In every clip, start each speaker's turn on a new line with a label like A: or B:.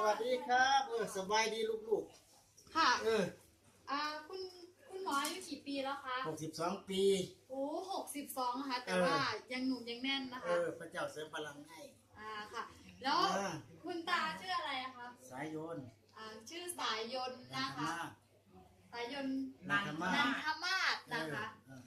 A: วัสดีครับสบายดีลูก
B: ค่ะคุณหมออายุกี่ปีแล้วคะ
A: 62 ปี
B: โอ้62นะคะแต่ว่ายังหนุ่มยังแน่นนะคะ
A: พระเจ้าเสริมพลังให้
B: ค่ะแล้วคุณตาชื่ออะไรคะ
A: สายโยน
B: ชื่อสายยนต์นะคะสายยนต์
A: นันทมา
B: ศนะคะ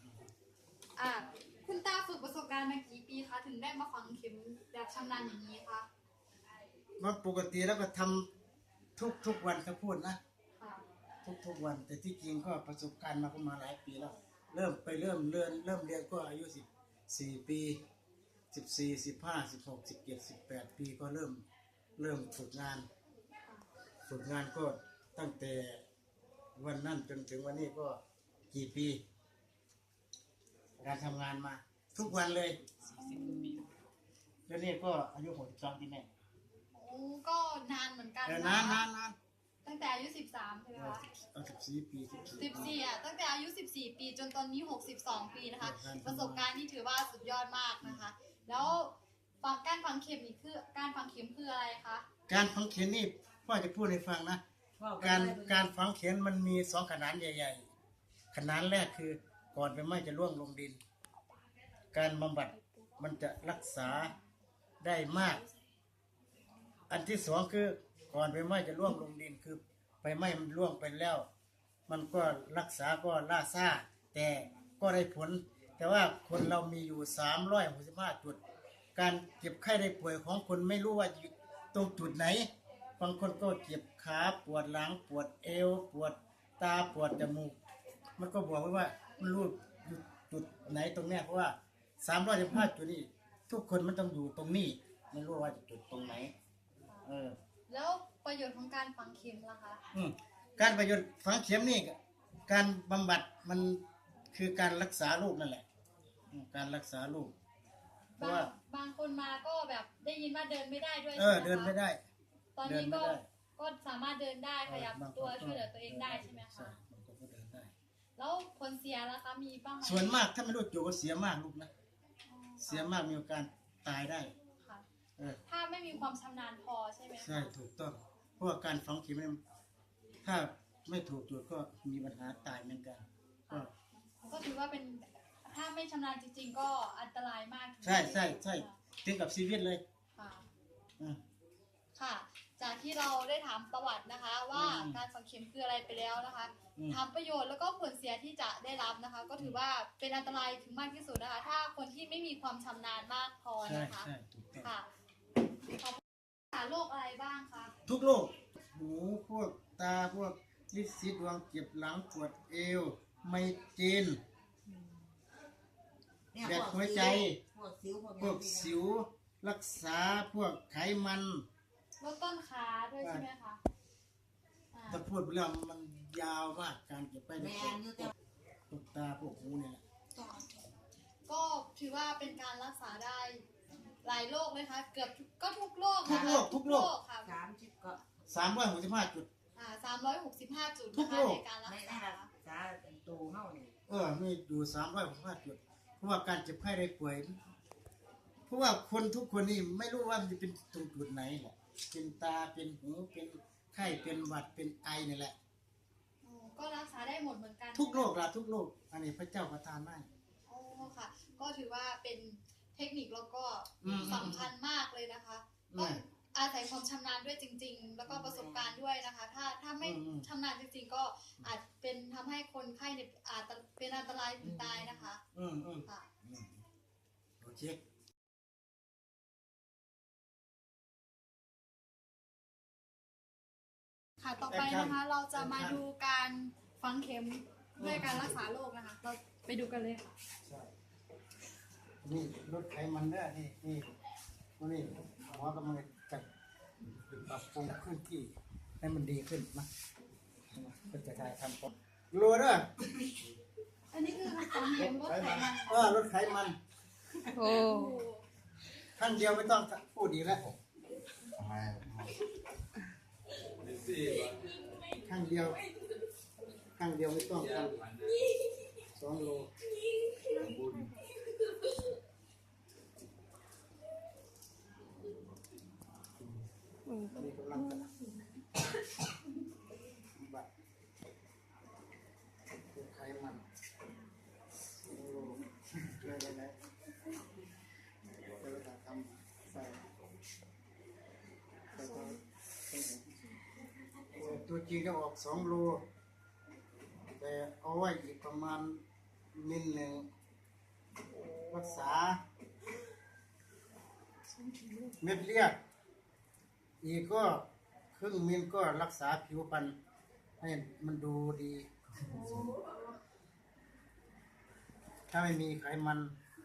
B: คุณตาฝึกประสบการณ์มากี่ปีคะถึงได้มาฝังเข็มแบบชำนาญอย่างนี้คะ
A: มันปกติแล้วก็ทำทุกวันถ้าพูดนะทุกวันแต่ที่จริงก็ประสบการณ์มาก็มาหลายปีแล้วเริ่มเรียนก็อายุ14 ปี14 15 16 17 18 ปีก็เริ่มฝึกงานก็ตั้งแต่วันนั้นจนถึงวันนี้ก็กี่ปีการทำงานมาทุกวันเลยแล้วนี่ก็อายุ62 ปีแน่
B: ก็นานเหมือนกัน
A: นาน
B: ตั้งแต่อายุ13ใช่ไหมคะ
A: 14 ปี
B: 14ตั้งแต่อายุ14 ปีจนตอนนี้62 ปีนะคะประสบการณ์ที่ถือว่าสุดยอดมากนะคะแล้วการฝังเข็มนี่คือการฝังเข็มคืออะไรคะ
A: การฝังเข็มนี่พ่อจะพูดให้ฟังนะการฝังเข็มมันมี2ขนาดใหญ่ๆขนาดแรกคือก่อนไฟไหม้จะล่วงลงดินการบำบัดมันจะรักษาได้มากอันที่สองคือก่อนไฟไหม้จะล่วงลงดินคือไฟไหม้มันล่วงไปแล้วมันก็รักษาก็ล่าซ่าแต่ก็ได้ผลแต่ว่าคนเรามีอยู่365 จุดการเจ็บไข้ได้ป่วยของคนไม่รู้ว่าอยู่ตรงจุดไหนบางคนก็เจ็บขาปวดหลังปวดเอวปวดตาปวดจมูกมันก็บอกไว้ว่ามันรู้อยู่จุดไหนตรงเนี้ยเพราะว่า365 จุดนี้ทุกคนมันต้องอยู่ตรงนี้ไม่รู้ว่าจุดตรงไหน
B: แล้วประโยชน์ของการฝังเข็มล่ะคะ
A: การประโยชน์ฝังเข็มนี่การบำบัดมันคือการรักษาโรคนั่นแหละการรักษาโรคเพราะว่า
B: บางคนมาก็แบบได้ยินว่าเดินไม่ได้ด้วย
A: เดินไม่ได้
B: ตอนนี้ก็สามารถเดินได้ขยับตัวช่วยเหลือตัวเองได้ใช่ไหมคะแล้วผลเสียล่ะคะมีบ้างไหม
A: ส่วนมากถ้าไม่รู้จุดก็เสียมากลูกนะเสียมากมีโอกาสตายได้
B: ถ้าไม่มีความชำนาญพอใช่ไหม
A: ใช่ถูกต้องเพราะว่าการฝังเข็มถ้าไม่ถูกจุดก็มีปัญหาตายเหมือนกัน
B: ก็ถือว่าเป็นถ้าไม่ชำนาญจริงๆก็อันตรายมาก
A: ใช่ถึงกับชีวิตเลย
B: ค่ะจากที่เราได้ถามประวัตินะคะว่าการฝังเข็มคืออะไรไปแล้วนะคะถามประโยชน์แล้วก็ผลเสียที่จะได้รับนะคะก็ถือว่าเป็นอันตรายถึงมากที่สุดนะคะถ้าคนที่ไม่มีความชำนาญมากพอนะคะค่ะโรคอะไรบ้างคะ
A: ทุกโรคหูพวกตาพวกลิ้นสีดวงเจ็บหลังปวดเอวไมเกรนแบบหัวใจพวกสิวรักษาพวกไขมัน
B: ลดต้นขาด้วยใช่ไหมคะ
A: ถ้าพูดไปแล้วมันยาวมากการเก็บไปในพวกตาพวกหูเนี่ย
B: ก็ถือว่าเป็นการรักษาได้หลายโรคเลยค่ะเกือบก็ทุกโรค
A: ทุกโรค
B: ค่ะ
A: 365 จุด
B: 365 จุด
A: ทุกโรค
B: ในการรักษา
A: ตัวเท่านี้มีอยู่365 จุดเพราะว่าการเจ็บไข้ได้ป่วยเพราะว่าคนทุกคนนี่ไม่รู้ว่ามันจะเป็นตรงจุดไหนแหละเป็นตาเป็นหูเป็นไข้เป็นหวัดเป็นไอนี่แหละ
B: ก็รักษาได้หมดเหมือนกัน
A: ทุกโรคทุกโรคอันนี้พระเจ้าประทานให้
B: ค่ะก็ถือว่าเป็นเทคนิคแล้วก็สำคัญมากเลยนะคะต้องอาศัยความชำนาญด้วยจริงๆแล้วก็ประสบการณ์ด้วยนะคะถ้าไม่ชำนาญจริงๆก็อาจเป็นทำให้คนไข้เนี่ยอาจเป็นอันตรายถึงตายนะคะ
A: ค่ะโอเค
B: ค่ะต่อไปนะคะเราจะมาดูการฝังเข็มด้วยการรักษาโรคนะคะเราไปดูกันเลยค่ะ
A: นี่ลดไขมันได้นี่หมอกำลังจัดปรับปรุงขึ้นที่ให้มันดีขึ้นนะก็จะได้ทำก่อนรัวด้วย
B: อันนี้คือฝังเข็มลดไขมัน
A: ลดไขมันขั้นเดียวไม่ต้องพูดดีแล้วข้างเดียวไม่ต้องกัน2 โลนี่กำลังจะตัวจริงจะออก2 โลแต่เอาไว้อีกประมาณมิลหนึ่งรักษาเม็ดเลือดอีกก็1/2 มิลก็รักษาผิวพรรณให้มันดูดี ถ้าไม่มีไขมัน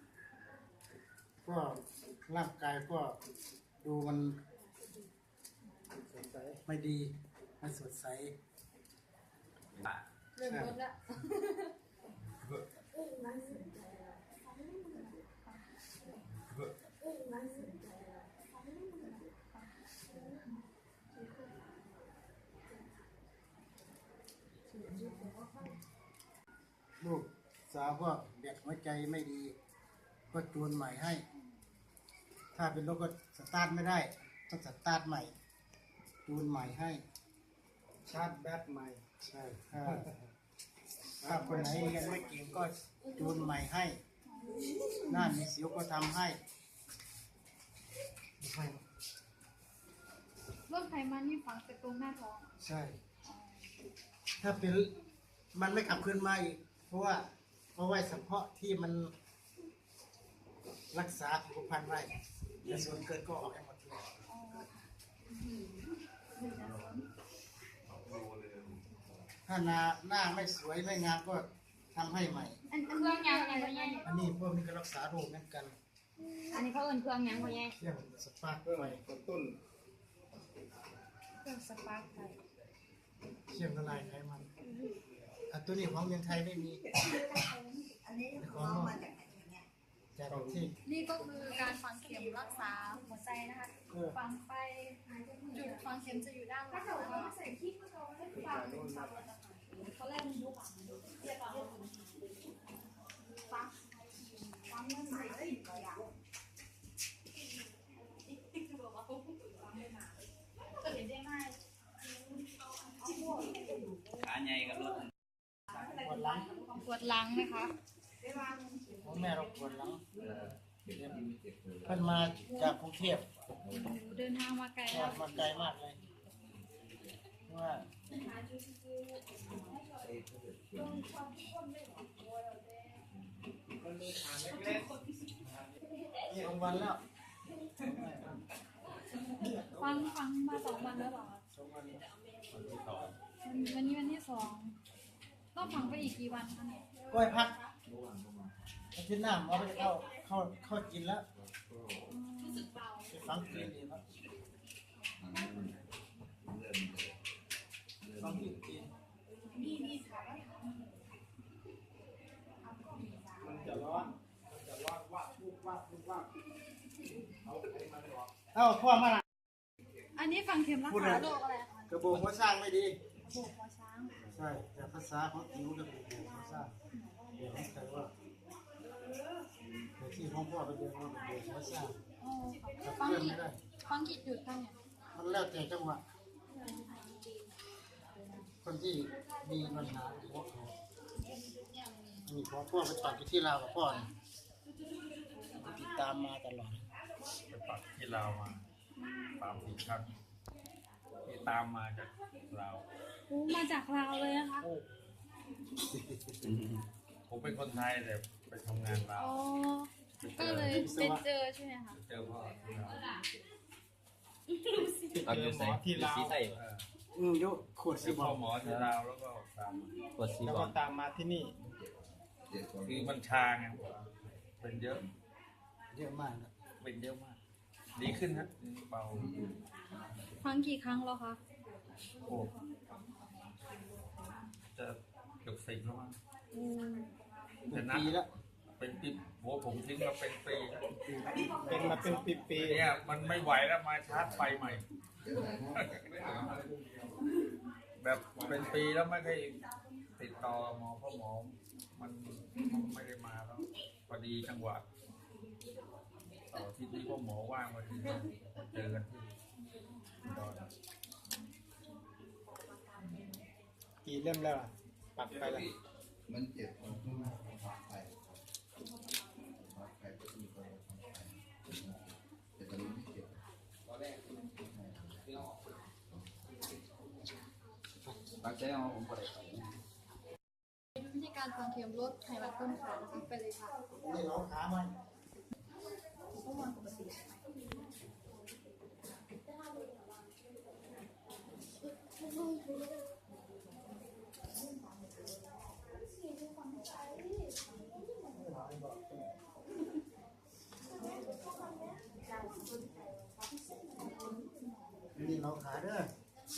A: ก็ร่างกายก็ดูมันไม่ดีไม่สดใส
B: เริ่มลดแล้ว
A: ลูกสาวก็แบตหัวใจไม่ดี ก็จูนใหม่ให้ ถ้าเป็นรถก็สตาร์ทไม่ได้ต้องสตาร์ทใหม่ จูนใหม่ให้
C: ชาร์จแบตใหม่
A: ใช่ถ้าคนไหนเรียนไม่เก่งก็จูนใหม่ให้ หน้ามีสิวก็ทำให้
B: ลดไขมันนี่ฝังแต่ตรงหน้าท้อง
A: ใช่ ถ้าเป็นมันไม่กลับคืนมาอีก เพราะว่าเอาไว้เฉพาะที่มันรักษาผิวพรรณไว้แต่ส่วนเกินก็ออกให้หมดเลย ถ้าหน้าไม่สวยไม่งามก็ทำให้ใหม่
D: อันเครื่องยังไงพ่อใหญ่
A: อันนี้พวกนี้ก็รักษาโรคเหมือนกัน
D: อันนี้เขาเอิ้นเครื่องยังพ่อใหญ่
A: เรื่องสปาร์ค
C: เพื่อ
A: ไฟ
C: กระตุ้น
B: เครื่องสปาร์คไฟ
A: เชื่อมละลายไขมันตัวนี้ของเมืองไทยไม่มีของมาจากที่
B: นี่ก็คือการฝังเข็มรักษาหัวใจนะคะ ฝังไปจุดฝังเข็มจะอยู่ด้านหลังตอนแรกมันยุบก็เห็นได้ง่าย
E: ขาใหญ่กับรถ
A: ปวดหลัง
B: ปวดหลังนะคะ
A: ของแม่เราปวดหลังเพิ่นมาจากกรุงเทพ
B: เดินทางมาไกล
A: ก็
B: แล้ว
A: มาไกลมากเลยว่านี่2 วันแล้ว
B: ฟังมา2 วันแล้วเหรอ
A: 2 วันแล้ว
B: วันนี้วันที่2ต้องฝังไปอีกกี่วันคะเนี่ย
A: ก้อยพักอาทิตย์หน้าเอาไปเข้ากินแล้ว
B: รู้สึกเบา
A: ไปฟังกินดีครับฟังกินกิน
B: มีถามว่า
C: มันจะร้อนว่าพูดว่าเอาไขมันออก
A: เอ้าพ่อมาละ
B: อันนี้ฝังเข็มรักษาโรคอะไรคะ
A: กระโปรงหัวสร้างไม่ดี
B: โรคหัวช้าง
A: ใช่แต่ภาษาของอิ๋วกระโปรงหัวสร้างเดี๋ยวเข้าใจว่าแต่ที่ของพ่อเป็นเรื่องของกระโปรงหัวสร้าง
B: อ๋อ
A: ขับ
B: ฟัง
A: เคลื่อน
B: กี่
A: ไม่ได้
B: ฟังกี่จุดคะเนี่ย
A: มันแล้วแต่จังหวะคนที่มีปัญหาหัวเขามีพ่อไปตัดที่ลาวกับพ่อเนี่ยติดตามมาตลอด
E: ไปปักที่ลาวมา3-4 ครั้งที่ตามมาจากลาว
B: โอ้มาจากลาวเลยนะคะ
E: ผมเป็นคนไทยแต่ไปทำงานลาว
B: อ๋อ ก็เลยเป็นเจอใช่ไหมคะ
E: เจอพ่อที่ลาว
C: เราอยู่ไหนที่ลาว
E: เออ
A: ยกขวด
E: เจ
A: สิ
E: อบ พ่
A: อ
E: อก หมอที่ลาวแล้วก็ตามมา
C: แล้วก็ตามมาที่นี่
E: คือมันชาไงเป็นเยอะ
A: เยอะมากนะ
E: เป็นเยอะมาก ดีขึ้นฮะเบา
B: ฟังกี่ครั้งแล้วคะ
E: โอ้จะเกือบ10แล้วมั้ง
B: อืม
A: เป็นปีแล้ว
E: เป็นปีโหผมทิ้งมาเป็นปีแล้ว
C: เป็นมาเป็นปี
E: เนี่ยมันไม่ไหวแล้วมาชาร์จไฟใหม่ แบบเป็นปีแล้วไม่เคยติดต่อหมอเพราะหมอมันไม่ได้มาแล้วพอดีจังหวะต่อที่พ่อหมอว่างพอดีเจอกันที่อุดร
C: ๆกี่เล่มแล้วล่ะปักไปแล้ว
F: มันเจ็บตรงที่ว่าพักไปพักไปก็มีคนพักไปแต่ตอนนี้ไม่เจ็บตอนแรก
C: แสดงว่าผมบ่ได้ไป
B: วิธีการฝังเข็มลดไขมันต้นขานะคะไปเลยค่ะ
A: นี่เราขามัน นี่เราขาเด้อ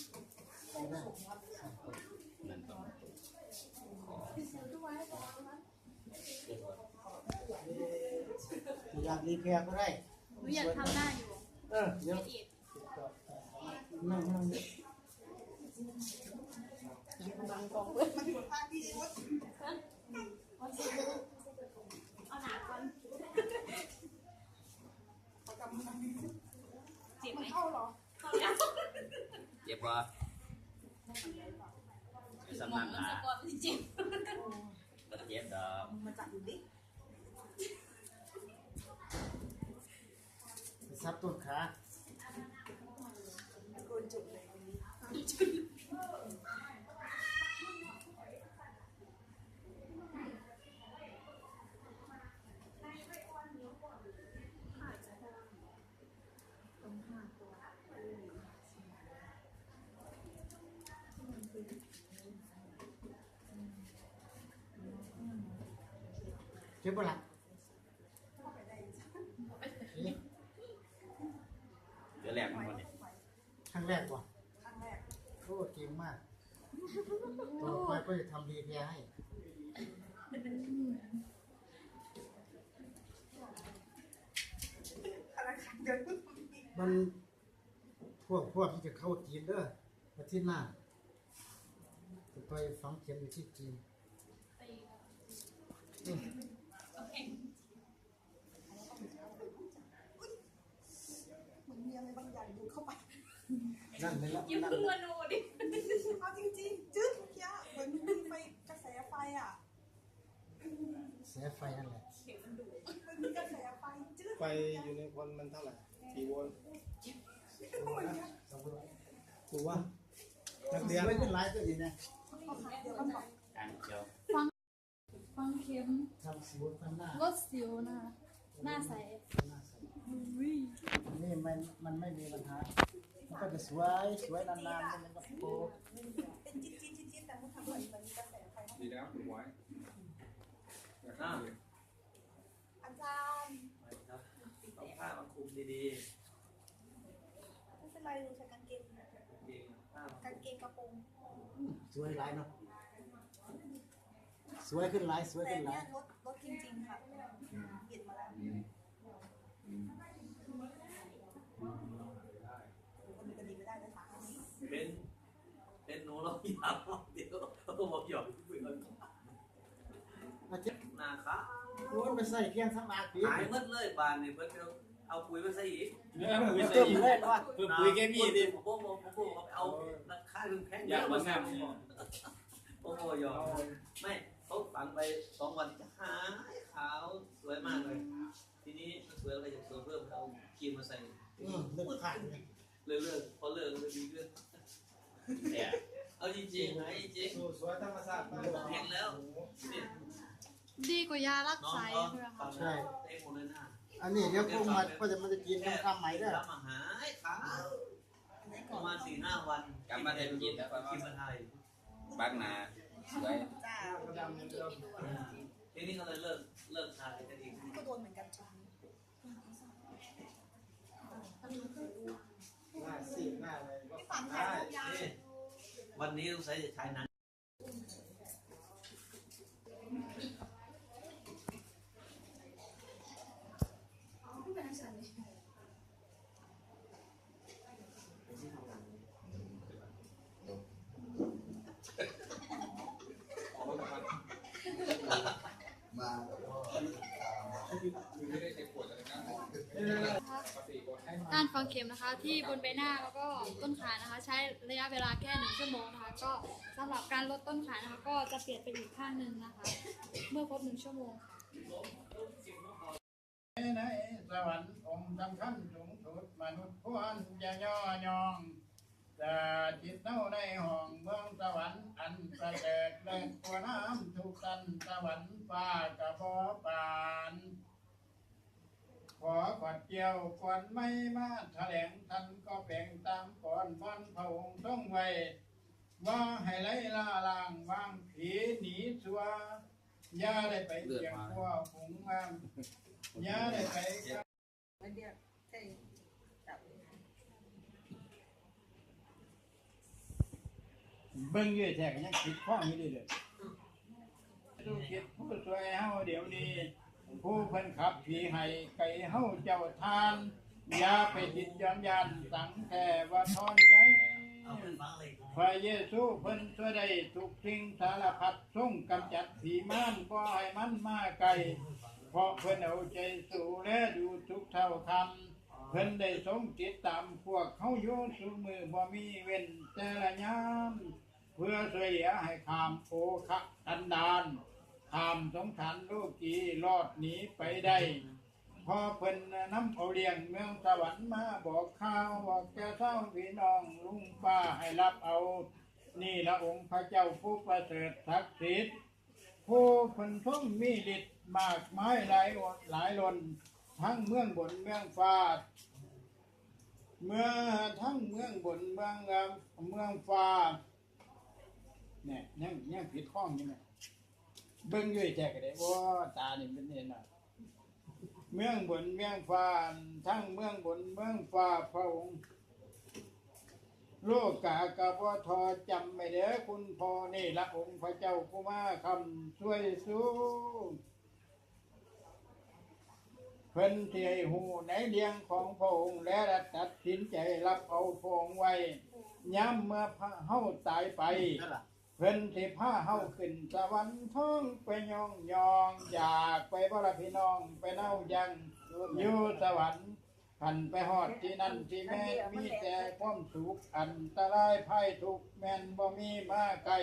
A: อยากรีแพร์ก็ได้
B: หนูอยากทำหน้าอยู่
A: เดี๋ยวนั่ง
B: เอาหนาก่อนเจ็บไหมเข้าหรอเข้าแล้ว
C: เจ็บบ่ไอ้สำนักหา
B: เจ็บ
C: บ่เจ็บดอก
A: ซับต้นขา เจ็บปะล่ะ
C: เดี๋ยวแรกมันบ่เนี่ย
A: ครั้งแรกว่ะโอ้เก่งมากต่อไปก็จะทำรีแพร์ให้ มันพวกที่จะเข้าจีนเด้ออาทิตย์หน้าจะไปฝังเข็มอยู่ที่จีนนั่นเลยละ
B: ยิ้ม
A: นั่น
B: เพื่
A: เล
B: อย นโนดิ
G: เอาจริงๆจึ๊ดเมื่อกี้เหมือนมีไฟกระแสไฟอ่ะ
A: เสียไฟนั่นแหละ
G: มันมีกระแสไฟจึ๊ด
H: ไฟอยู่ในคนมันเท่าไหร่กี่โวลต์ถูกว่านักเรียน
A: ไม่เป็นไรตัวนี้นะ
G: เดี๋ยวกันก่อน
C: การเจียว
B: ฟังเข็ม
A: ทำสิวทำหน้า
B: ลดสิวนะคะหน้าใส
A: หน้าใสนี่มันไม่มีปัญหามันก็จะสวยนานๆมันก็โต
G: เป็นจิ๊ดแต่มันทำเหมือนมีกระแสไฟ
E: ดีแล้วคุณไว้
G: อาจารย์
C: ต้องผ้ามาคลุมดี
G: ไม่เป็นไรหนูใส่กางเกง
C: ๆจริงผ้าก
G: างเกงกระโปรง
A: สวยหลายเนาะสวยขึ้นหลายสวย
G: แต่
A: ขึ้นหลา
G: เนี้
A: ย
G: ยรถจริงๆค่ะเปลี่ยนมาแล้วคนอื่นก็ดีไม่ได้เลยค่ะ
C: เป็นหนูเราอยากเดี๋ยวเขาบอกหยอกคุยกัน
A: อาทิตย์
C: หน้าขาว
A: โน้นไปใส่เพียงสักนาที
C: หายหมดเลยบานนี่เพิ่นเอาปุ๋ยมาใส่อีก
A: เติมเลยว่า
H: เพิ่มปุ๋ยแค่นี้ดิ
C: ผมเอาราคาแพง
H: อยากมางาม
C: โอ้โหยอมไม่เขาฝังไป2 วันจะหายขาวสวยมากเลย ทีนี้สวยอะไรจะสวยเพิ่มเอาครีมมาใส่
A: เลือกผ่านเลย
C: เลิกพอเลิกเลยดีขึ้นเนี่ยเอาจริงๆไอ้จริง
H: สู่สวยธรรมชาติมาก
C: เห็นแล้วเนี่ย
B: ดีกว่ายารัก
C: น้อง
B: ไส
C: เขา
B: ใช่ไหม
C: ฟั
B: คะ
C: งแล้วเต้หมดเลยนะ
A: อันนี้เดี๋ยวพวกมันก็จะมันจะกินน้ำข้ามไหมเด้อ
C: ทำอาหารขาวประมาณ4-5 วัน
I: กลับมาได้กินแล้ว
C: กินมาไทย
I: บางนาสวย
G: จ้า
C: ทีนี้ก็เลยเลิกทานกันอีก
G: ก็โดนเหมือนกันจ้า
H: หน้าซีดหน้าอะไรก็
G: พี่ฝัน
H: ได้
G: ถ่ายรูปยา
C: นี่วันนี้ต้องใช้จะใช้นั้น
F: มาแล้วก็
E: ไม่ได้ใช้ขวดอะไรนะปกติกดให้
B: การฝังเข็มนะคะที่บนใบหน้าแล้วก็ต้นขานะคะ ใช้ระยะเวลาแค่1 ชั่วโมงนะคะ ก็สำหรับการลดต้นขานะคะ ก็จะเปลี่ยนไปอีกข้างหนึ่งนะคะ เมื่อครบ1 ชั่วโมงค่ะ
H: ไหนสวรรค์องค์สำคัญสูงสุดมนุษย์ควรอย่าย่อยอง
E: จาจิตเน่าในห้องเมืองสวรรค์อันประเสริฐเลิศกว่าน้ำทุกสันสวรรค์ฟ้ากระพอปานขอกอดเกี่ยวก่อนไม่มาแถลงท่านก็แบ่งตามก่อนวันพระองค์ต้องไว้ว่าให้ไล่ล่าล่างวางผีหนีสัวอย่าได้ไปเกี่ยงพวกฝูงมันอย่าได้ไป เบิ่งอยู่แท้ก็ยังคิดข้องอยู่เรื่อยๆดูคิดผู้สวยเฮาเดี๋ยวนี้ผู้เพิ่นขับผีให้ไก่เฮาเจ้าทานอย่าไปจิตย้อนยันสังแค่ว่าทอนไงพระเยซูเพิ่นช่วยได้ทุกสิ่งสารพัดทรงกำจัดผีมารบ่ให้มันมาไกลเพราะเพิ่นเอาใจสู่และดูทุกเท่าทำเพิ่นได้ทรงติดตามพวกเขาอยู่สู่มือบ่มีเว้นแต่ละยามเพื่อช่วยเหลือให้ข้ามโอคะกันดานข้ามสงสารโลกีรอดหนีไปได้พอเพิ่นนำเอาเลี้ยงเมืองสวรรค์มาบอกข่าวบอกแก่เท่าพี่น้องลุงป้าให้รับเอานี่ละองค์พระเจ้าผู้ประเสริฐศักดิ์สิทธิ์ผู้เพิ่นทรงมีฤทธิ์มากมายหลายล้นทั้งเมืองบนเมืองฟ้าเมื่อทั้งเมืองบนเมืองฟ้าเนี่ยยังผิดข้องอยู่ไหมเบิ่งอยู่แท้ก็ได้ว่าตานี่เป็นเห็นน่ะเมืองบนเมืองฟ้าทั้งเมืองบนเมืองฟ้าพระองค์โลกากะบ่ทอจำไม่เด้อคุณพ่อนี่ละองค์พระเจ้าผู้มาคำช่วยสู้เพิ่นที่ให้หูในเลี้ยงของพระองค์และตัดสินใจรับเอาพระองค์ไว้ย้ำเมื่อเฮาตายไปเพิ่นสิพาเฮาขึ้นสวรรค์ท้องไปยองอยากไปบ่ล่ะพี่น้องไปเน่ายังอยู่สวรรค์ขันไปฮอดที่นั่นที่แม่มีแต่ความสุขอันตรายภัยทุกข์แม่นบ่มีมาไกล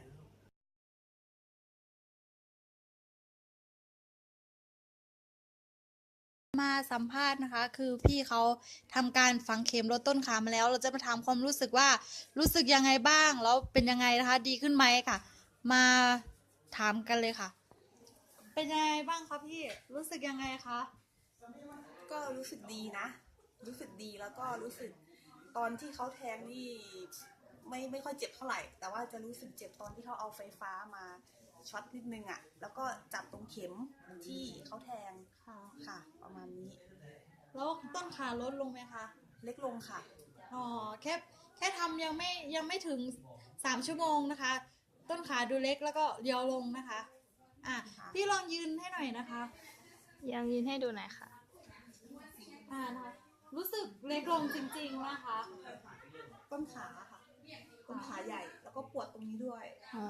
B: มาสัมภาษณ์นะคะ คือพี่เขาทำการฝังเข็มลดต้นขามาแล้ว เราจะมาถามความรู้สึกว่ารู้สึกยังไงบ้างแล้วเป็นยังไงนะคะ ดีขึ้นไหมค่ะ มาถามกันเลยค่ะ เป็นยังไงบ้างคะพี่รู้สึกยังไงคะ
G: ก็รู้สึกดีนะ รู้สึกดีแล้วก็รู้สึกตอนที่เขาแทงนี่ไม่ค่อยเจ็บเท่าไหร่ แต่ว่าจะรู้สึกเจ็บตอนที่เขาเอาไฟฟ้ามาช็อตนิดนึงอ่ะแล้วก็จับตรงเข็มที่เขาแทงค่ะประมาณนี้
B: แล้วต้นขาลดลงไหมคะ
G: เล็กลงค่ะ
B: อ๋อแค่ทำยังไม่ถึง3 ชั่วโมงนะคะ ต้นขาดูเล็กแล้วก็เรียวลงนะคะพี่ลองยืนให้หน่อยนะคะ
D: ยังยืนให้ดูหน่อยค่ะ
B: นะคะรู้สึกเล็กลงจริงๆนะคะ
G: ต้นขาค่ะต้นขาใหญ่แล้วก็ปวดตรงนี้ด้วย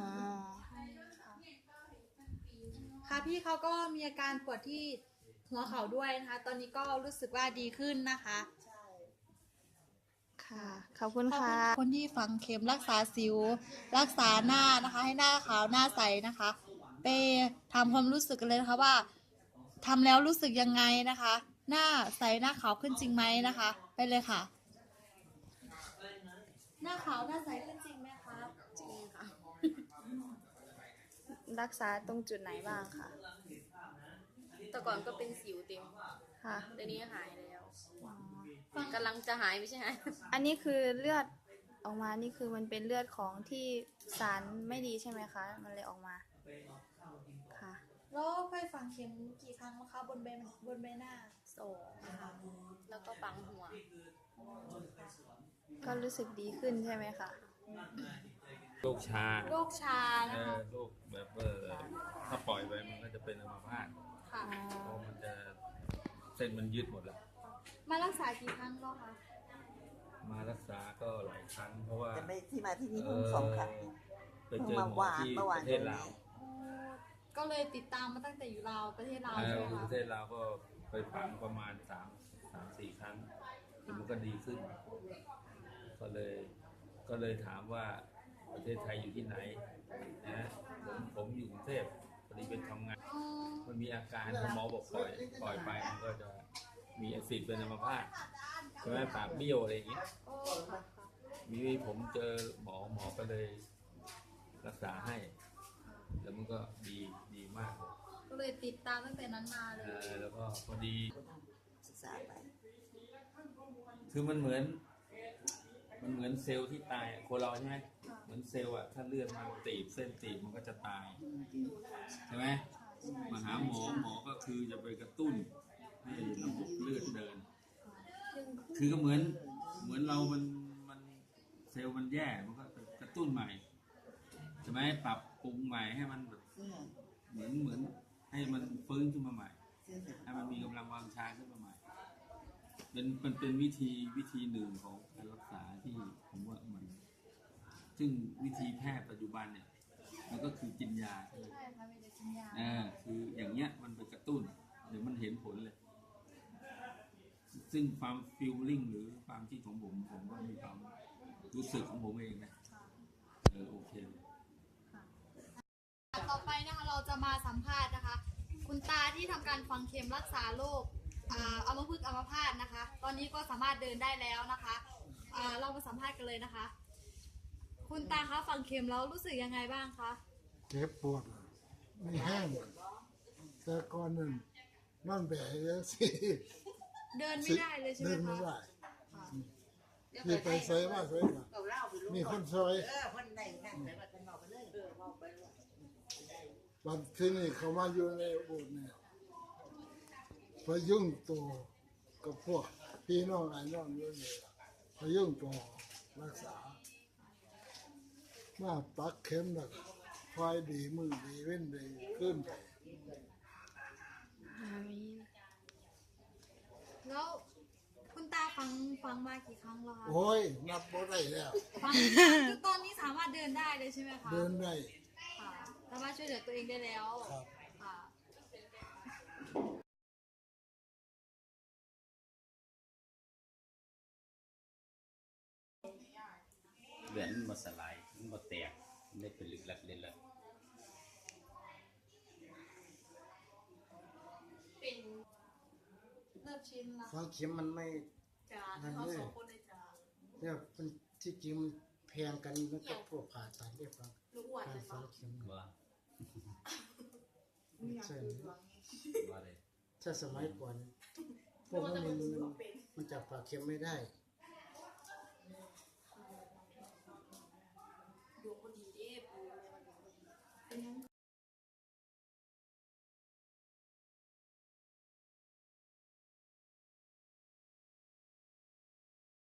B: ค่ะพี่เขาก็มีอาการปวดที่หัวเข่าด้วยนะคะ ตอนนี้ก็รู้สึกว่าดีขึ้นนะคะ
G: ใช่
D: ค่ะ ขอบคุณค่ะ
B: คนที่ฝังเข็มรักษาสิว รักษาหน้านะคะ ให้หน้าขาวหน้าใสนะคะ ไปทำความรู้สึกกันเลยนะคะว่าทำแล้วรู้สึกยังไงนะคะ หน้าใสหน้าขาวขึ้นจริงไหมนะคะ ไปเลยค่ะ หน้าขาวหน้าใสขึ้นจริงไหมคะ
D: จริงค่ะ รักษาตรงจุดไหนบ้างคะ
J: แต่ก่อนก็เป็นสิวเต็ม
D: ค่ะ
J: เดี๋ยวนี้หายแล้วกำลังจะหายไม่ใช่หาย
D: อันนี้คือเลือดออกมา นี่คือมันเป็นเลือดของที่สารไม่ดีใช่ไหมคะ มันเลยออกมา ค่ะ
B: แล้วเคยฝังเข็มกี่ครั้งแล้วคะบนใบหน้า
J: 2 ค่ะ แล้วก็ปังหัว
D: ก็รู้สึกดีขึ้นใช่ไหมคะ
E: โรคชา
B: โรคชานะคะ
E: โรคแบบถ้าปล่อยไปมันก็จะเป็นอัมพาต
B: ค่ะ
E: เพราะมันจะเส้นมันยืดหมดแล้ว
B: มารักษากี่ครั้งแล้วคะ
E: มารักษาก็หลายครั้งเพราะว่า
K: แต่ไม่ที่มาที่นี่เพิ่ง2 ครั้งเอง
E: ไปเจอหมอที่ประเทศลาว
B: ก็เลยติดตามมาตั้งแต่อยู่ลาวประเทศลาวใช่ไหม
E: ป
B: คะ
E: ระเทศลาวก็ไปฝังประมาณ3-4 ครั้งแล้วมันก็ดีขึ้น ก็เลยถามว่าประเทศไทยอยู่ที่ไหนนะผมอยู่กรุงเทพพอดีเป็นทำงานมันมีอาการหมอบอกปล่อยไปมันก็จะมีแอซิดเป็นอัมพาตใช่ไหมปากเบี้ยวอะไรอย่างเงี้ยมีผมเจอหมอก็เลยรักษาให้ แล้วมันก็ดีมากเลย
B: ก็เลยติดตามตั้งแต่นั้นมาเลย
E: แล้วก็พอดี
K: ศึกษาไป
E: คือมันเหมือนเซลล์ที่ตายอะคนเราใช่ไหมเหมือนเซลล์อะถ้าเลือดมันตีบเส้นตีบมันก็จะตายใช่ไหมมาหาหมอก็คือจะไปกระตุ้นให้ระบบเลือดเดิน คือก็เหมือนเรามันเซลล์มันแย่มันก็กระตุ้นใหม่ใช่ไหมปรับปรุงใหม่ให้มันแบบเหมือนให้มันฟื้นขึ้นมาใหม่ให้มันมีกำลังวังชาขึ้นมาใหม่มันเป็นวิธีหนึ่งของการรักษาที่ผมว่ามันซึ่งวิธีแพทย์ปัจจุบันเนี่ยมันก็คือกินยาใช่ไหม
B: ใช่ค่ะมีแต่กินยา
E: คืออย่างเงี้ยมันไปกระตุ้นเดี๋ยวมันเห็นผลเลย ซึ่งความฟีลลิ่งหรือความที่ของผมก็มีความรู้สึกของผมเองนะโอเค
B: ต่อไปนะคะเราจะมาสัมภาษณ์นะคะ คุณตาที่ทำการฝังเข็มรักษาโรคอัมพฤกษ์อัมพาตนะคะ ตอนนี้ก็สามารถเดินได้แล้วนะคะเรามาสัมภาษณ์กันเลยนะคะ คุณตาคะฝังเข็มแล้วรู้สึกยังไงบ้างคะ
L: เจ็บปวดไม่แห้งแต่ก่อนนั้นมันแบกเยอะสิ
B: เดินไม่ได้เลยใช่ไหม
L: เดิน
B: คะ
L: ไม่ได้ที่ไปใส่มาใส่มามีคนซอยวันที่นี่เขามาอยู่ในโบสถ์เนี่ยพยุ่งตัวกับพวกพี่น้องไอ้น้องอยู่นี่พยุ่งตัวรักษามาปักเข็มแล้วก็คอยดีมือดีเว้นดีขึ้นไป
B: แล้วคุณตาฟังมากี่ครั้งแล้วคะ
L: โอ้ยนับบ่ได้แล้ว
B: ฟังคือตอนนี้สามารถเดินได้เลยใช่ไหมคะ
L: เดินได้
B: ค่ะสามารถช่วยเหลือตัวเองได้แล้ว
L: ครับ
B: ค่ะ
I: เหลือนมันบ่สลายมันบ่แตกมันได้เป็นลึกลักเล่นละ
B: เป็นเริ่มชินละ
A: ฝังเข็มมันไม่
B: จ้า
A: นั่น
B: เขา
A: เลย
B: สองคนเลยจ้า
A: เนี่ยมันที่จริงมันแพงกันมันก็พวกผ่าตัดเรียกว่า
B: ลูกอ้วน
A: การ
B: เลย
A: ฝั
B: ปะ
A: งเข็ม
I: ว่า
A: ใช่
I: ว่าเลย
A: ถ้าสมัยก่อนพวกนั้นมันจับฝาเข็มไม่ได้
B: ดูคนดีเด้ปูเป็นยัง